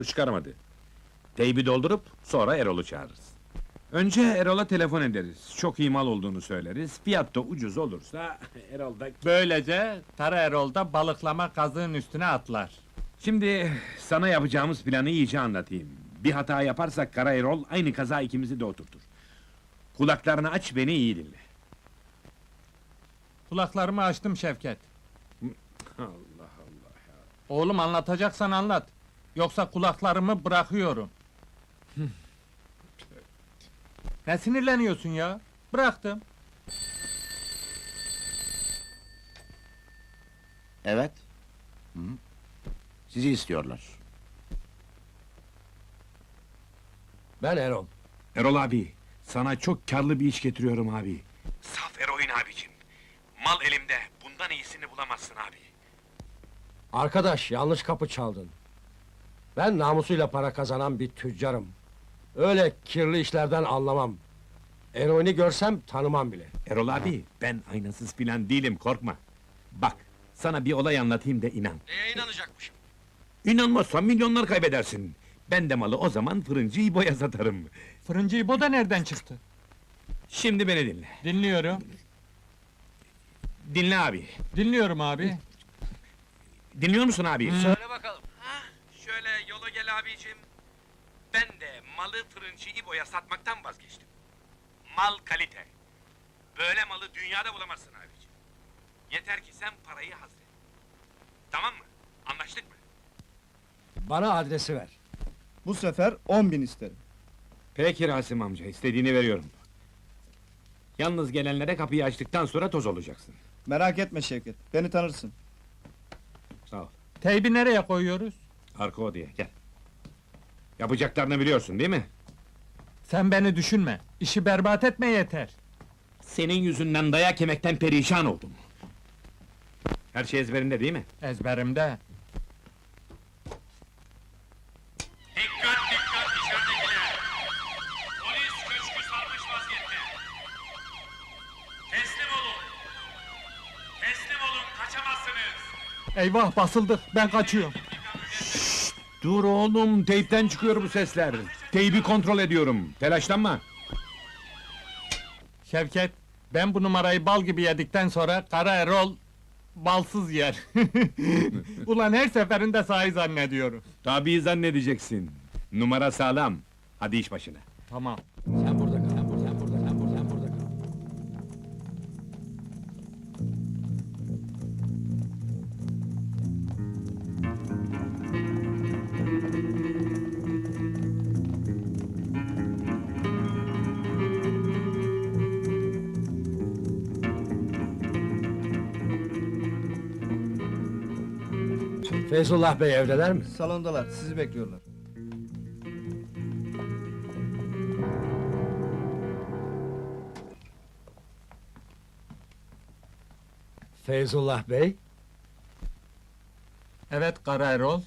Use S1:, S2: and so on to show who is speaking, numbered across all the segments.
S1: Çıkarmadı. Teybi doldurup sonra Erol'u çağırırız. Önce Erol'a telefon ederiz. Çok iyi mal olduğunu söyleriz. Fiyat da ucuz olursa Erol da...
S2: Böylece Kara Erol da balıklama kazığın üstüne atlar.
S1: Şimdi sana yapacağımız planı iyice anlatayım. Bir hata yaparsak Kara Erol aynı kaza ikimizi de oturtur. Kulaklarını aç, beni iyi dinle.
S2: Kulaklarımı açtım Şevket.
S1: Allah Allah ya.
S2: Oğlum anlatacaksan anlat. Yoksa kulaklarımı bırakıyorum. Ne sinirleniyorsun ya? Bıraktım.
S3: Evet. Hı. Sizi istiyorlar.
S4: Ben Erol.
S1: Erol abi, sana çok karlı bir iş getiriyorum abi. Saf eroin abicim. Mal elimde, bundan iyisini bulamazsın abi.
S4: Arkadaş, yanlış kapı çaldın. Ben namusuyla para kazanan bir tüccarım. Öyle kirli işlerden anlamam. Eroini görsem tanımam bile.
S1: Erol abi, ben aynasız filan değilim, korkma. Bak, sana bir olay anlatayım da inan.
S4: Neye inanacakmışım?
S1: İnanmazsan milyonlar kaybedersin. Ben de malı o zaman fırıncı İbo'ya satarım.
S2: Fırıncı İbo da nereden çıktı?
S1: Şimdi beni dinle.
S2: Dinliyorum.
S1: Dinle abi.
S2: Dinliyorum abi.
S1: Dinliyor musun abi?
S4: Söyle bakalım.
S1: Şöyle yola gel abicim. Ben de malı fırıncı İbo'ya satmaktan vazgeçtim. Mal kalite. Böyle malı dünyada bulamazsın abicim. Yeter ki sen parayı hazret. Tamam mı? Anlaştık mı?
S4: Bana adresi ver.
S5: Bu sefer 10.000 isterim.
S1: Peki Rasim amca, istediğini veriyorum. Yalnız gelenlere kapıyı açtıktan sonra toz olacaksın.
S5: Merak etme Şevket, beni tanırsın.
S1: Sağ ol.
S2: Teybi nereye koyuyoruz?
S1: Arka odaya, gel. Yapacaklarını biliyorsun değil mi?
S2: Sen beni düşünme. İşi berbat etme yeter.
S1: Senin yüzünden dayak yemekten perişan oldum. Her şey ezberinde değil mi?
S2: Ezberimde.
S1: Dikkat dikkat içeridekiler! Polis köşkü sarmış vaziyette! Teslim olun! Teslim olun, kaçamazsınız!
S2: Eyvah basıldık. Ben kaçıyorum.
S1: Dur oğlum, teypten çıkıyor bu sesler. Teybi kontrol ediyorum, telaşlanma!
S2: Şevket, ben bu numarayı bal gibi yedikten sonra Kara Erol balsız yer. Ulan her seferinde sahi zannediyorum.
S1: Tabii zannedeceksin. Numara sağlam. Hadi iş başına.
S2: Tamam.
S4: Sen burada kal. Sen burada, sen burada, sen burada, sen burada kal. Feyzullah Bey evdeler mi?
S5: Salondalar, sizi bekliyorlar.
S4: Feyzullah Bey,
S2: Evet Kara Erol.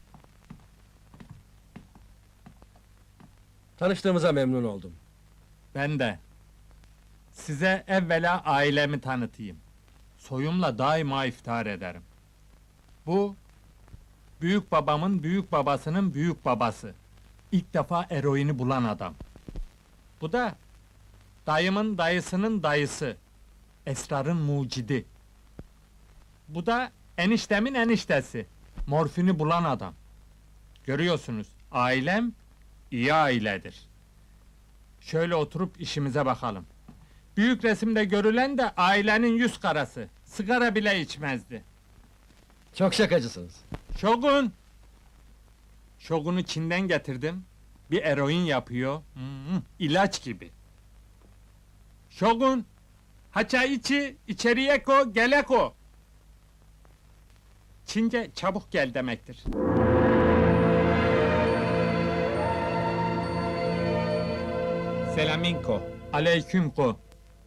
S4: tanıştığımıza memnun oldum.
S2: Ben de. Size evvela ailemi tanıtayım. Soyumla daima iftihar ederim. Bu, büyük babamın büyük babasının büyük babası. İlk defa eroini bulan adam. Bu da, dayımın dayısının dayısı. Esrarın mucidi. Bu da, eniştemin eniştesi. Morfini bulan adam. Görüyorsunuz, ailem, iyi ailedir. Şöyle oturup işimize bakalım. Büyük resimde görülen de ailenin yüz karası. Sigara bile içmezdi.
S4: Çok şakacısınız.
S2: Şogun! Şogun'u Çin'den getirdim. Bir eroin yapıyor. İlaç gibi. Şogun! Haça içi, içeriye ko, gele ko. Çince çabuk gel demektir.
S1: Selaminko.
S2: Aleyküm ko.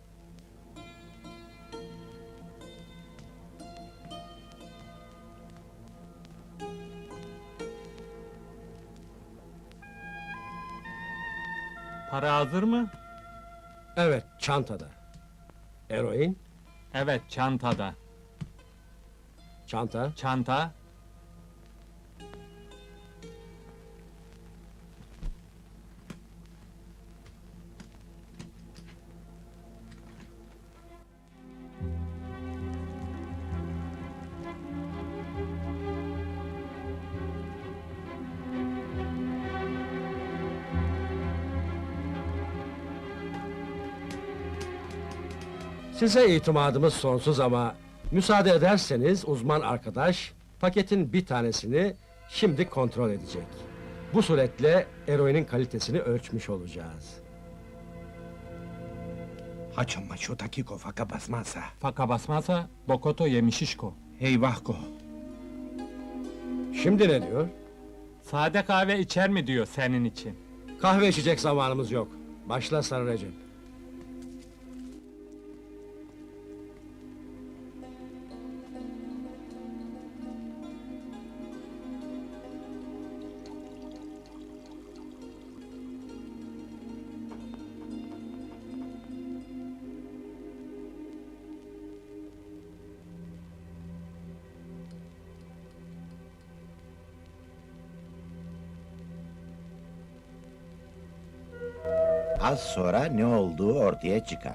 S2: Para hazır mı?
S4: Evet, çantada. Eroin,
S2: Evet, çantada.
S4: çanta,
S2: Çanta,
S4: Size itimadımız sonsuz ama müsaade ederseniz uzman arkadaş paketin bir tanesini şimdi kontrol edecek. Bu suretle eroinin kalitesini ölçmüş olacağız.
S6: Haçon maço takiko faka basmazsa.
S2: Faka basmazsa Bokoto yemişişko.
S6: Eyvah ko.
S4: Şimdi ne diyor?
S2: Sade kahve içer mi diyor senin için.
S4: Kahve içecek zamanımız yok. Başla Sarı Recep.
S3: Az sonra ne olduğu ortaya çıkar.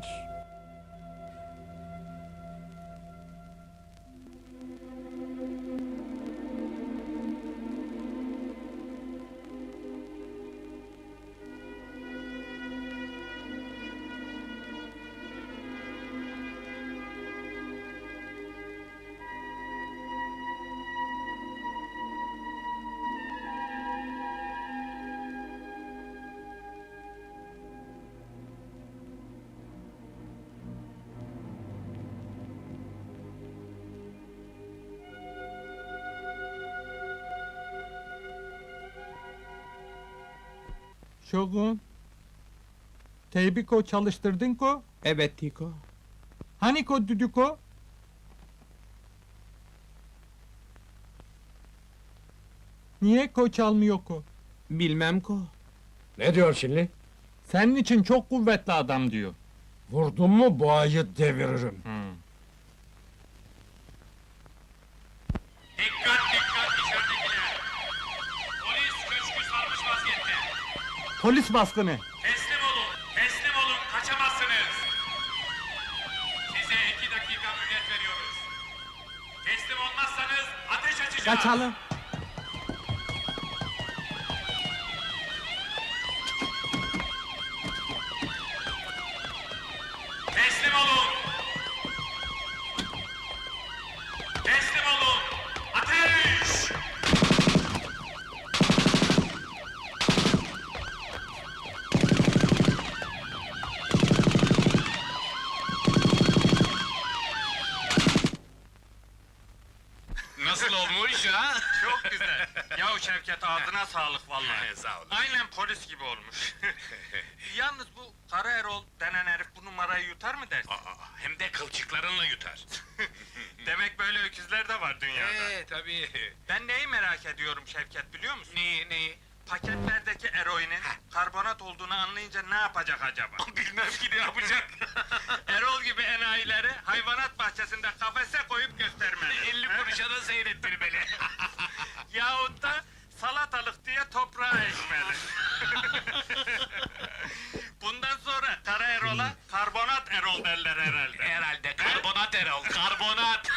S2: Şogun. Teybiko çalıştırdın ko?
S6: Evet Tiko.
S2: Hani ko düdüko? Niye ko çalmıyor ko?
S6: Bilmem ko.
S4: Ne diyor şimdi?
S2: Senin için çok kuvvetli adam diyor.
S4: Vurdum mu boğayı deviririm.
S1: Dikkat dikkat içeridekiler! Polis köşkü sarmış vaziyette.
S2: Polis baskını.
S1: Teslim olun, kaçamazsınız. Size 2 dakika mühlet veriyoruz. Teslim olmazsanız ateş açacağız.
S2: Kaçalım.
S1: Teslim olun. Teslim olun. Ateş! Nasıl olmuş ha? Çok güzel. Yahu Şevket ağzına sağlık vallahi. Sağ olun. Aynen polis gibi olmuş. Yalnız bu Kara Erol denen herif bu numarayı yutar mı dersin?
S7: Hem de kılçıklarınla yutar.
S1: Demek böyle öküzler de var dünyada.
S7: Tabii.
S1: Ben neyi merak ediyorum Şevket biliyor musun?
S7: Neyi?
S1: Paketlerdeki eroinin karbonat olduğunu anlayınca ne yapacak acaba?
S7: Bilmem ki ne yapacak.
S1: Erol gibi enayileri hayvanat bahçesinde kafese koyup göstermeli.
S7: 50 kuruşa da seyrettirmeli.
S1: Yahut da salatalık diye toprağa ekmeli. Bundan sonra Kara Erol'a karbonat Erol derler herhalde.
S7: Herhalde karbonat Erol, karbonat.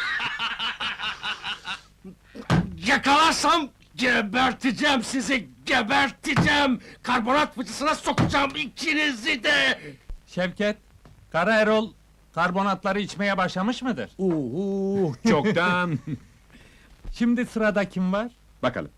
S4: Yakalarsam geberteceğim sizi, geberteceğim! Karbonat fıçısına sokacağım ikinizi de!
S2: Şevket, Kara Erol karbonatları içmeye başlamış mıdır?
S8: Çoktan.
S2: Şimdi sırada kim var?
S8: Bakalım.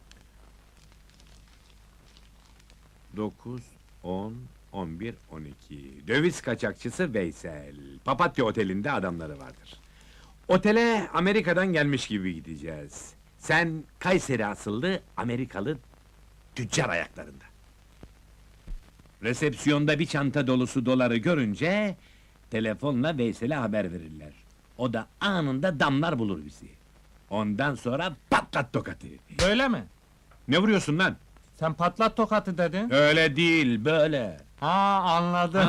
S8: 9, 10, 11, 12. Döviz kaçakçısı Veysel. Papatya Oteli'nde adamları vardır. Otele Amerika'dan gelmiş gibi gideceğiz. Sen Kayseri asıllı Amerikalı tüccar ayaklarında. Resepsiyonda bir çanta dolusu doları görünce telefonla Veysel'e haber verirler. O da anında damlar bulur bizi. Ondan sonra patlat tokatı.
S2: Böyle mi?
S8: Ne vuruyorsun lan?
S2: Sen patlat tokatı dedin.
S8: Öyle değil, böyle.
S2: Ha anladım.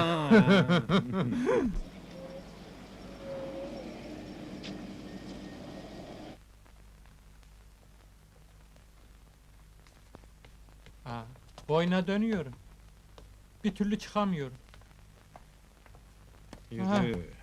S2: Ha, boyuna dönüyorum. Bir türlü çıkamıyorum. Ha.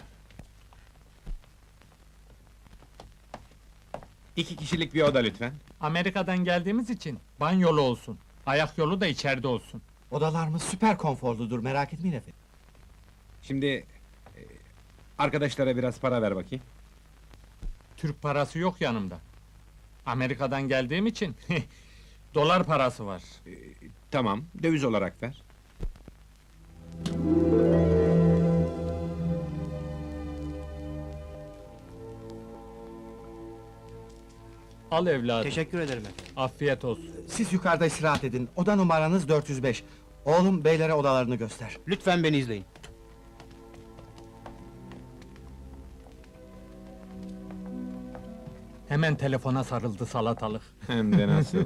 S8: İki kişilik bir oda lütfen.
S2: Amerika'dan geldiğimiz için banyolu olsun. Ayak yolu da içeride olsun.
S6: Odalarımız süper konforludur, merak etmeyin efendim.
S8: Şimdi... Arkadaşlara biraz para ver bakayım.
S2: Türk parası yok yanımda. Amerika'dan geldiğim için dolar parası var.
S8: Tamam, döviz olarak ver.
S2: Al evladım.
S9: Teşekkür ederim efendim.
S2: Afiyet olsun.
S9: Siz yukarıda istirahat edin. Oda numaranız 405. Oğlum beylere odalarını göster. Lütfen beni izleyin.
S2: Hemen telefona sarıldı salatalık.
S8: Hem de nasıl?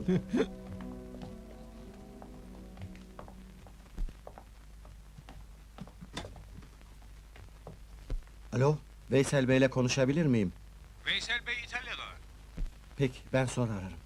S9: Alo, Veysel Bey'le konuşabilir miyim?
S7: Veysel Bey İtalya'da.
S9: Peki, ben sonra ararım.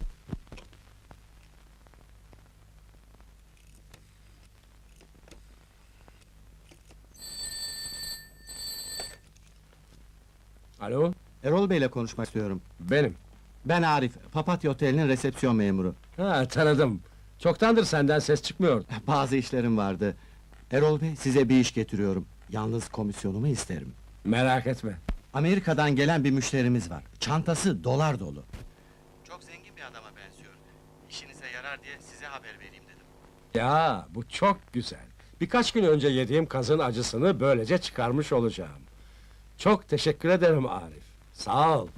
S4: Alo,
S9: Erol Bey'le konuşmak istiyorum.
S4: benim.
S9: Ben Arif, Papatya Oteli'nin resepsiyon memuru.
S4: Ha, tanıdım. Çoktandır senden ses çıkmıyor.
S9: Bazı işlerim vardı. Erol Bey, size bir iş getiriyorum. Yalnız komisyonumu isterim.
S4: Merak etme.
S9: Amerika'dan gelen bir müşterimiz var. Çantası dolar dolu. Çok zengin bir adama benziyor. İşinize yarar diye size haber vereyim dedim.
S4: Ya, bu çok güzel. Birkaç gün önce yediğim kazın acısını böylece çıkarmış olacağım. Çok teşekkür ederim Arif. Sağ ol.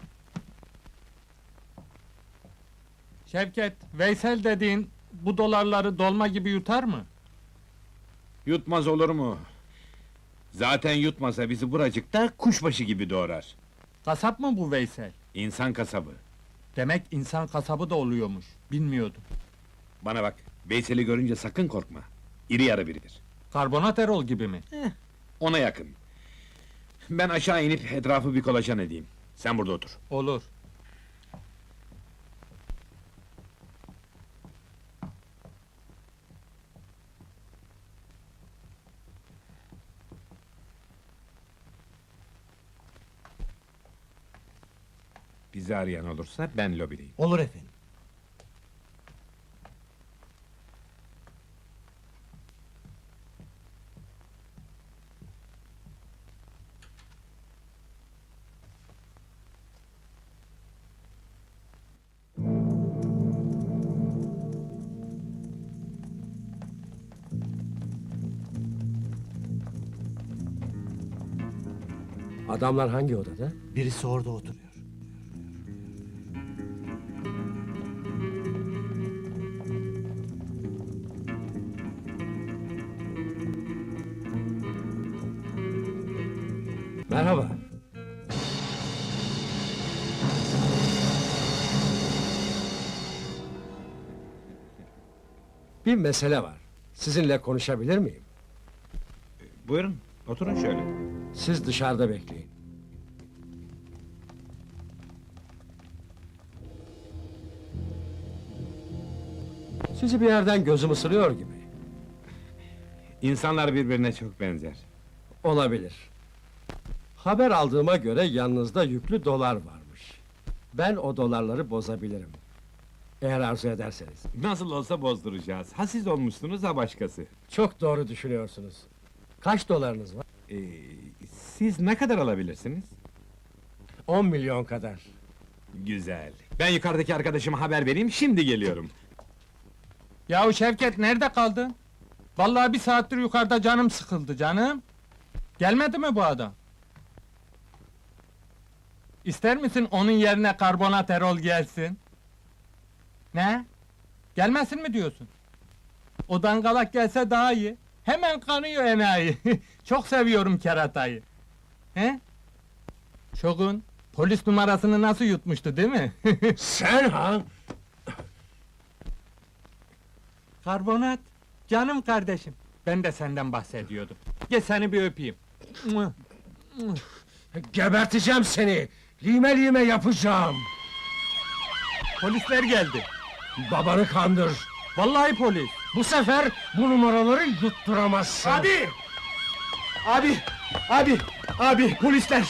S2: Şevket, Veysel dediğin bu dolarları dolma gibi yutar mı?
S8: Yutmaz olur mu? Zaten yutmasa bizi buracıkta kuşbaşı gibi doğrar.
S2: Kasap mı bu Veysel?
S8: İnsan kasabı.
S2: Demek insan kasabı da oluyormuş. Bilmiyordum.
S8: Bana bak, Veysel'i görünce sakın korkma. İri yarı biridir.
S2: Karbonat Erol gibi mi?
S8: Ona yakın. Ben aşağı inip etrafı bir kolaçan edeyim. Sen burada otur.
S2: Olur.
S8: Bizi arayan olursa ben lobideyim.
S9: Olur efendim.
S4: Adamlar hangi odada?
S9: Birisi orada oturuyor.
S4: Merhaba. Bir mesele var. Sizinle konuşabilir miyim?
S8: Buyurun, oturun şöyle.
S4: Siz dışarıda bekleyin. Sizi bir yerden gözüm ısırıyor gibi.
S8: İnsanlar birbirine çok benzer.
S4: Olabilir. Haber aldığıma göre yanınızda yüklü dolar varmış. Ben o dolarları bozabilirim. Eğer arzu ederseniz.
S8: Nasıl olsa bozduracağız. Ha siz olmuşsunuz ha başkası.
S4: Çok doğru düşünüyorsunuz. Kaç dolarınız var?
S8: Ee, Siz ne kadar alabilirsiniz?
S4: 10 milyon kadar.
S8: Güzel. Ben yukarıdaki arkadaşıma haber vereyim, şimdi geliyorum.
S2: Yahu Şevket, nerede kaldın? Vallahi bir saattir yukarıda canım sıkıldı canım. Gelmedi mi bu adam? İster misin onun yerine karbonat Erol gelsin? Ne? Gelmesin mi diyorsun? O dangalak gelse daha iyi. Hemen kanıyor enayi. Çok seviyorum keratayı. He? Şogun, polis numarasını nasıl yutmuştu değil mi?
S4: Sen ha?
S2: Karbonat, canım kardeşim. Ben de senden bahsediyordum. Gel seni bir öpeyim. Mua.
S4: Geberteceğim seni! Lime lime yapacağım!
S2: Polisler geldi.
S4: Babanı kandır!
S2: Vallahi polis.
S4: Bu sefer bu numaraları yutturamazsın!
S9: Abi, polisler!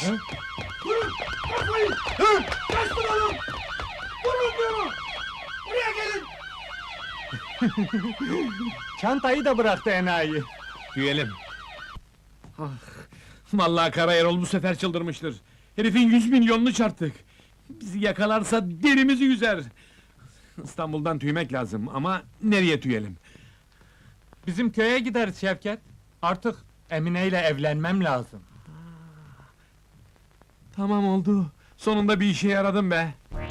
S2: Çantayı da bıraktı enayi.
S8: Tüyelim. Vallahi Kara Erol bu sefer çıldırmıştır. Herifin 100 milyonunu çarptık. Bizi yakalarsa derimizi yüzer. İstanbul'dan tüymek lazım ama nereye tüyelim?
S2: Bizim köye gideriz Şevket. Artık Emine ile evlenmem lazım.
S8: Tamam oldu. Sonunda bir işe yaradım be.